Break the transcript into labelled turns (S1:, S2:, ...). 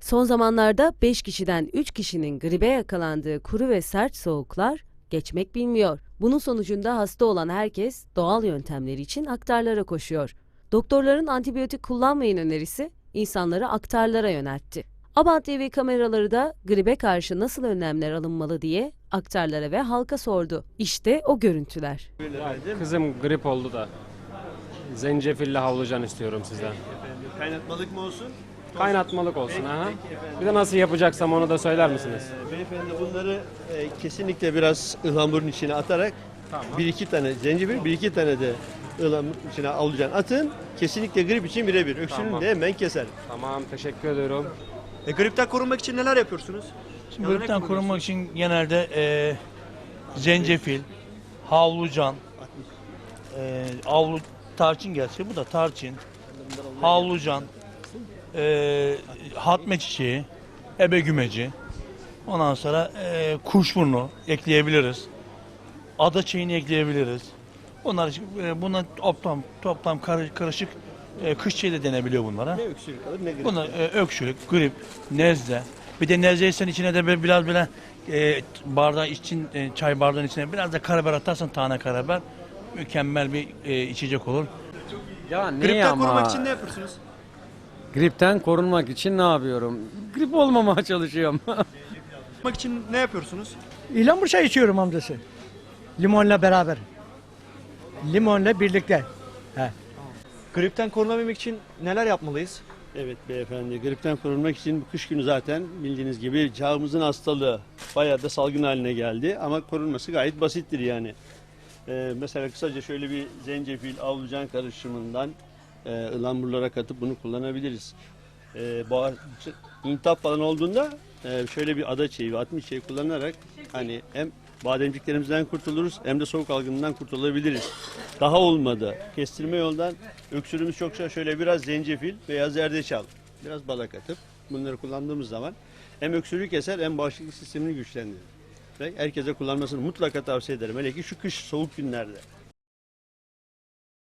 S1: Son zamanlarda 5 kişiden 3 kişinin gribe yakalandığı kuru ve sert soğuklar geçmek bilmiyor. Bunun sonucunda hasta olan herkes doğal yöntemleri için aktarlara koşuyor. Doktorların antibiyotik kullanmayın önerisi insanları aktarlara yöneltti. Abant TV kameraları da gribe karşı nasıl önlemler alınmalı diye aktarlara ve halka sordu. İşte o görüntüler.
S2: Kızım grip oldu da zencefilli havlucan istiyorum sizden.
S3: Kaynatmalık mı olsun?
S2: Kaynatmalık olsun. Aha. Bir de nasıl yapacaksam onu da söyler misiniz?
S3: Beyefendi bunları kesinlikle biraz ıhlamurun içine atarak
S2: Tamam.
S3: bir iki tane zencefil, bir iki tane de ıhlamur içine alıcan atın. Kesinlikle grip için birebir. Öksürüğünü
S2: Tamam.
S3: de hemen keser.
S2: Tamam, teşekkür ediyorum.
S4: Gripten korunmak için neler yapıyorsunuz?
S5: Şimdi gripten korunmak için genelde zencefil, havlucan, tarçın gerçi bu da tarçın, havlucan, hatme çiçeği, ebegümeci, ondan sonra kuşburnu ekleyebiliriz, ada çiçeğini ekleyebiliriz. Bunlar toplam karışık kış çiçeği de denebiliyor bunlara.
S3: Ne öksürük alır ne grip.
S5: Bunlar öksürük, grip, nezle. Bir de nezleysen içine de biraz böyle bardağı için çay bardağının içine biraz da karabiber atarsan tane karabiber mükemmel bir içecek olur.
S2: Ya ne
S4: Gripten korunmak için ne yapıyorsunuz?
S2: Gripten korunmak için ne yapıyorum? Grip olmamaya çalışıyorum.
S4: Korunmak için ne yapıyorsunuz?
S6: İhlamur çayı içiyorum amcası. Limonla beraber. Limonla birlikte. He.
S4: Gripten korunabilmek için neler yapmalıyız?
S3: Evet beyefendi, gripten korunmak için bu kış günü zaten bildiğiniz gibi çağımızın hastalığı bayağı da salgın haline geldi ama korunması gayet basittir yani. Mesela kısaca şöyle bir zencefil, avlucan karışımından ıhlamurlara katıp bunu kullanabiliriz. İntihap falan olduğunda şöyle bir ada çiçeği ve atmış çiçeği kullanarak hani hem bademciklerimizden kurtuluruz hem de soğuk algınından kurtulabiliriz. Daha olmadı. Kestirme yoldan öksürüğümüz çoksa şöyle biraz zencefil veya zerdeçal, biraz bala katıp bunları kullandığımız zaman hem öksürüğü keser hem bağışıklık sistemini güçlendirir. Ve herkese kullanmasını mutlaka tavsiye ederim. Hele ki şu kış soğuk günlerde.